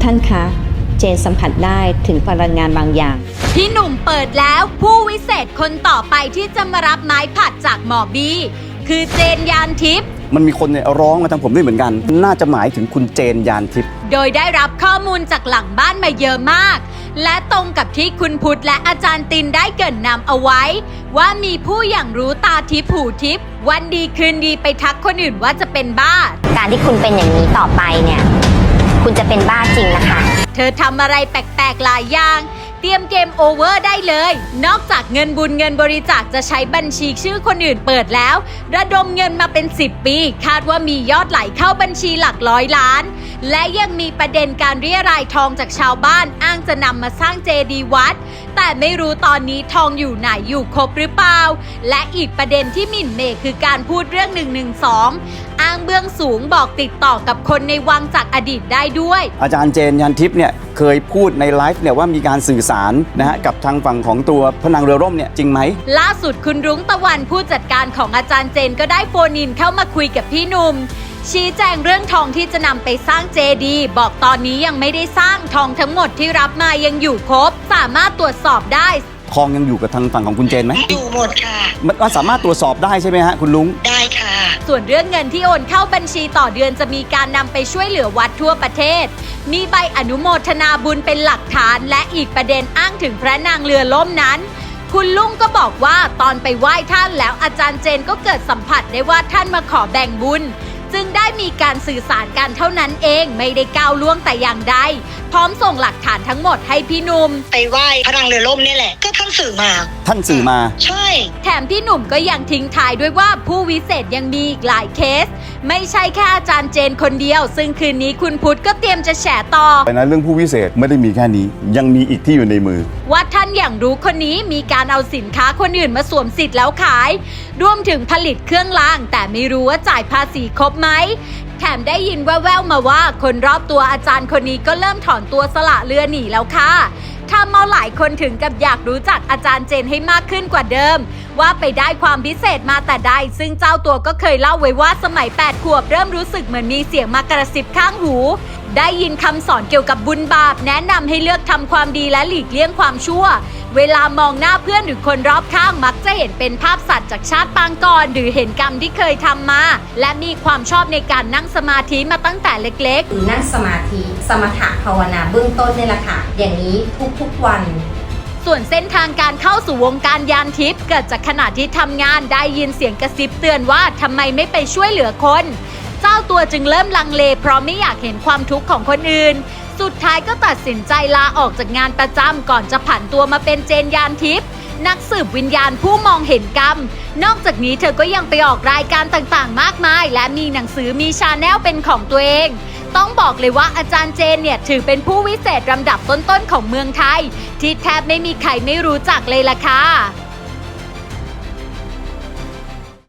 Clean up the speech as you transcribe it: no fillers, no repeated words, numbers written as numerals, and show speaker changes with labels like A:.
A: ท่านคะเจนสัมผัสได้ถึงพลังงานบางอย่าง
B: พี่หนุ่มเปิดแล้วผู้วิเศษคนต่อไปที่จะมารับไม้ผัดจากหมอบีคือเจนยานทิพย์
C: มันมีคนเนี่ยร้องมาทางผมด้วยเหมือนกันน่าจะหมายถึงคุณเจนยานทิพย์
B: โดยได้รับข้อมูลจากหลังบ้านมาเยอะมากและตรงกับที่คุณพุทธและอาจารย์ตินได้เกริ่นนำเอาไว้ว่ามีผู้อย่างรู้ตาทิพย์หูทิพย์วันดีคืนดีไปทักคนอื่นว่าจะเป็นบ้า
D: การที่คุณเป็นอย่างนี้ต่อไปเนี่ยคุณจะเป็นบ้าจริงนะคะ
B: เธอทำอะไรแปลกๆหลายอย่างเตรียมเกมโอเวอร์ได้เลยนอกจากเงินบุญเงินบริจาคจะใช้บัญชีชื่อคนอื่นเปิดแล้วระดมเงินมาเป็น10 ปีคาดว่ามียอดไหลเข้าบัญชีหลักร้อยล้านและยังมีประเด็นการเรียรายทองจากชาวบ้านอ้างจะนำมาสร้างเจดีย์วัดแต่ไม่รู้ตอนนี้ทองอยู่ไหนอยู่ครบหรือเปล่าและอีกประเด็นที่หมิ่นเมย์คือการพูดเรื่อง112อ้างเบื้องสูงบอกติดต่อกับคนในวังจากอดีตได้ด้วย
C: อาจารย์เจนยานทิพย์เนี่ยเคยพูดในไลฟ์เนี่ยว่ามีการสื่อสารนะฮะกับทางฝั่งของตัวพระนางเรือร่มเนี่ยจริงไหม
B: ล่าสุดคุณรุ้งตะวันผู้จัดการของอาจารย์เจนก็ได้โฟนอินเข้ามาคุยกับพี่หนุ่มชี้แจงเรื่องทองที่จะนำไปสร้างเจดีย์บอกตอนนี้ยังไม่ได้สร้างทองทั้งหมดที่รับมายังอยู่ครบสามารถตรวจสอบได้
C: ทองยังอยู่กับทางฝั่งของคุณเจนไหม
E: อยู่หมดค่ะ
C: มันสามารถตรวจสอบได้ใช่ไหมฮะคุณลุง
E: ได้ค่ะ
B: ส่วนเรื่องเงินที่โอนเข้าบัญชีต่อเดือนจะมีการนำไปช่วยเหลือวัดทั่วประเทศมีใบอนุโมทนาบุญเป็นหลักฐานและอีกประเด็นอ้างถึงพระนางเรือล่มนั้นคุณลุงก็บอกว่าตอนไปไหว้ท่านแล้วอาจารย์เจนก็เกิดสัมผัสได้ว่าท่านมาขอแบ่งบุญจึงได้มีการสื่อสารกันเท่านั้นเองไม่ได้ก้าวล่วงแต่อย่างใดพร้อมส่งหลักฐานทั้งหมดให้พี่หนุ่ม
E: ไปไหว้พระนางเรือล่มนี่แหละก็ท่านสื่อมา
C: ใ
E: ช่
B: แถมพี่หนุ่มก็ยังทิ้งท้ายด้วยว่าผู้วิเศษยังมีอีกหลายเคสไม่ใช่แค่อาจารย์เจนคนเดียวซึ่งคืนนี้คุณพุทธก็เตรียมจะแฉต่อ
C: แต่นะเรื่องผู้วิเศษไม่ได้มีแค่นี้ยังมีอีกที่อยู่ในมือ
B: ว่าท่านอย่างรู้คนนี้มีการเอาสินค้าคนอื่นมาสวมสิทธิ์แล้วขายรวมถึงผลิตเครื่องรางแต่ไม่รู้ว่าจ่ายภาษีครบไหมแถมได้ยินแว่วๆมาว่าคนรอบตัวอาจารย์คนนี้ก็เริ่มถอนตัวสละเรือหนีแล้วค่ะทำเอาหลายคนถึงกับอยากรู้จักอาจารย์เจนให้มากขึ้นกว่าเดิมว่าไปได้ความพิเศษมาแต่ใดซึ่งเจ้าตัวก็เคยเล่าไว้ว่าสมัย8 ขวบเริ่มรู้สึกเหมือนมีเสียงมากระซิบข้างหูได้ยินคำสอนเกี่ยวกับบุญบาปแนะนำให้เลือกทำความดีและหลีกเลี่ยงความชั่วเวลามองหน้าเพื่อนหรือคนรอบข้างมักจะเห็นเป็นภาพสัตว์จากชาติปางก่อนหรือเห็นกรรมที่เคยทำมาและมีความชอบในการนั่งสมาธิมาตั้งแต่เล็ก
A: ๆนั่งสมาธิสมถะภาวนาเบื้องต้นนี่แหละค่ะอย่างนี้ทุกวัน
B: ส่วนเส้นทางการเข้าสู่วงการยานทิพย์เกิดจากขณะที่ทำงานได้ยินเสียงกระซิบเตือนว่าทำไมไม่ไปช่วยเหลือคนเจ้าตัวจึงเริ่มลังเลเพราะไม่อยากเห็นความทุกข์ของคนอื่นสุดท้ายก็ตัดสินใจลาออกจากงานประจำก่อนจะผันตัวมาเป็นเจนยานทิพย์นักสืบวิญญาณผู้มองเห็นกรรมนอกจากนี้เธอก็ยังไปออกรายการต่างๆมากมายและมีหนังสือมีชาแนลเป็นของตัวเองต้องบอกเลยว่าอาจารย์เจนเนี่ยถือเป็นผู้วิเศษลำดับต้นๆของเมืองไทยที่แทบไม่มีใครไม่รู้จักเลยล่ะค่ะ